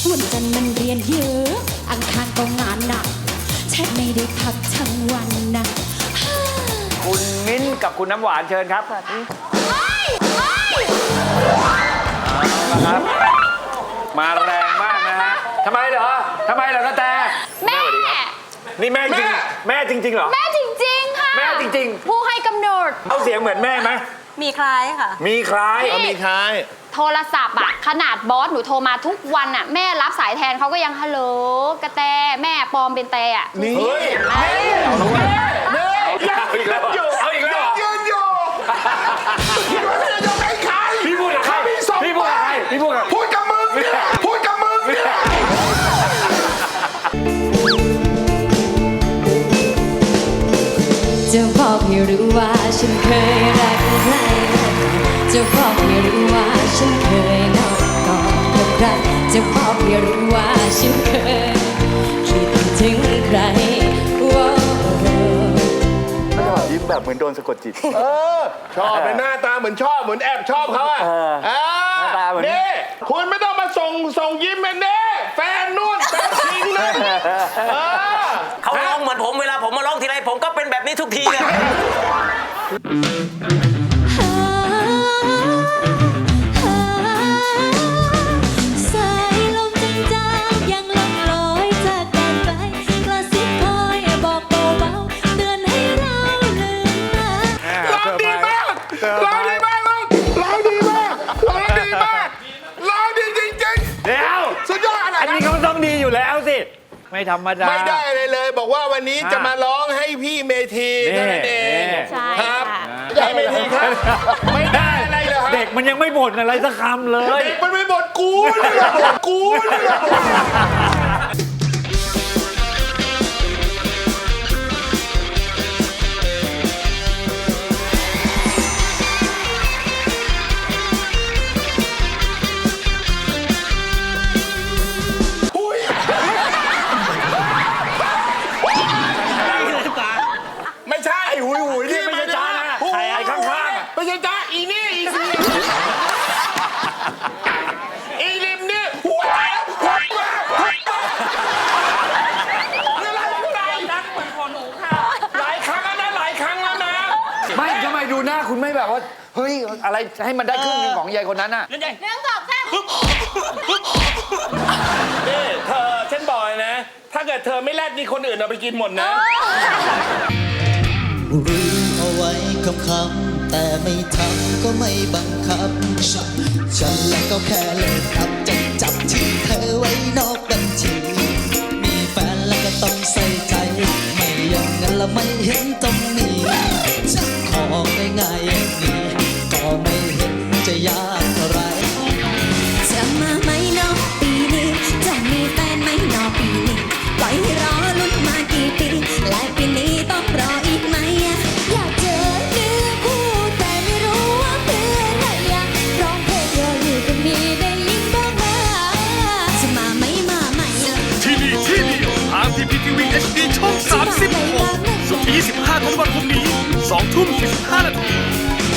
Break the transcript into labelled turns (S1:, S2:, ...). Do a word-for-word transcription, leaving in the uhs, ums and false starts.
S1: วันจันทร์มันเรียนเยอะอังคารก็งานหนักแทบไม่ได้พักทั้งวันนะ
S2: คุณมิ้นท์กับคุณน้ำหวานเชิญครับสวัสดีเอาละครับมาแรงมากนะฮะทำไมเหรอทำไมเหรอกระแต
S3: แม่
S2: นี่แม่จริงแม่จริงๆเหรอ
S3: แม่จริงๆค่ะ
S2: แม่จริง
S3: ผู้ให้กำเนิด
S2: ๆเอาเสียงเหมือนแม่ไหม
S3: มีคล้ายค่ะ
S2: มีคล้าย
S4: เอามีคล้าย
S3: โทรศัพท์อะขนาดบอสหนูโทรมาทุกวันอะแม่รับสายแทนเขาก็ยังฮัลโหลกระแตแม่ปลอมเป็นแตอะ
S4: นี่
S2: เฮ้ยแม่แม่เอาอีกแล้วเอาอีกแล้ว
S4: ยืนอยู่คิดว่าจะยกให้ใคร
S2: พี่พูดกับใครพี่พูดกับใครพี่พูดกับ
S4: พูดกับมึงเนี่ยพูดกับมึงเนี่ย
S1: จะบอกให้รู้ว่าฉันเคยรักใครจะบอกให้รู้ว่าฉันเคยนอนกอดกับใครจะบอกให้รู้ว่าฉันเคยคิดถึงใครว้าว
S5: ยิ้มแบบเหมือนโดนสะกดจิต
S4: เออชอบในหน้าตาเหมือนชอบเหมือนแอบชอบเขาอ่ะ
S2: เออ
S4: อ่า
S2: หน้าตาเหมือน
S4: นี่คุณไม่ต้องมาส่งส่งยิ้มเป็นเน่แฟนนู่นแฟนทิ้งนั่นเออ
S6: เขาร้องเหมือนผมเวลาผมมาร้องทีไรผมก็เป็นแบบนี้ทุกทีเลย
S1: สายลมจางๆยังล่องลอยจากกันไปกระซิบคอยบอกเบาๆเตือนให้เราลืมมา
S4: ร้องดีมากร้องดีมากร้องดีมากร้องดีมากร้องดีจริง
S2: เดี๋ยว
S4: ๆสุดยอดอะไร
S2: อันนี้
S4: นะ
S2: เขาต้องดีอยู่แล้วสิไม่ธรรมดา
S4: ไม่ได้เลยเลย บอกว่าวันนี้จะมาร้องให้พี่เมธีเท่านั้นเอง
S2: นี่
S3: ใช่
S4: ครับ
S3: ค่ะ
S4: ยายเมธีครับไม่ได้อะไรเลยฮะ
S2: เด็กมันยังไม่บ่นอะไรสักคำเลย
S4: เด็กมันไม่บ่นกูนี่แหละบ่นกูนี่แหละบ่น ไม่ใช่
S2: ไอ้หุยหุยนี่ไม่ใช่จ้านะ
S4: หุย
S2: ใครไอ้ข้างๆอะ
S4: ไม่ใช่จ้าอีนี่อีซีอีริมนี่หัวหัวหัวหัวอะไรอะไรนักเหมือนของหนูค่ะ หลายครั้งแล้วนะหลายครั้งแล้วนะ
S2: ไม่ทำไมดูหน้าคุณไม่แบบว่าเฮ้ยอะไรให้มันได้ครึ่งหนึงของยายคนนั้นน่ะ
S3: เรื่องสองแซ่บ
S4: นี่เธอฉันบอกเลยนะ ถ้าเกิดเธอไม่แลดนี่คนอื่นเอาไปกินหมดนะ
S7: รู้เอาไว้คำคำแต่ไม่ทำก็ไม่บังคับ ฉันและก็แค่เล่นอับ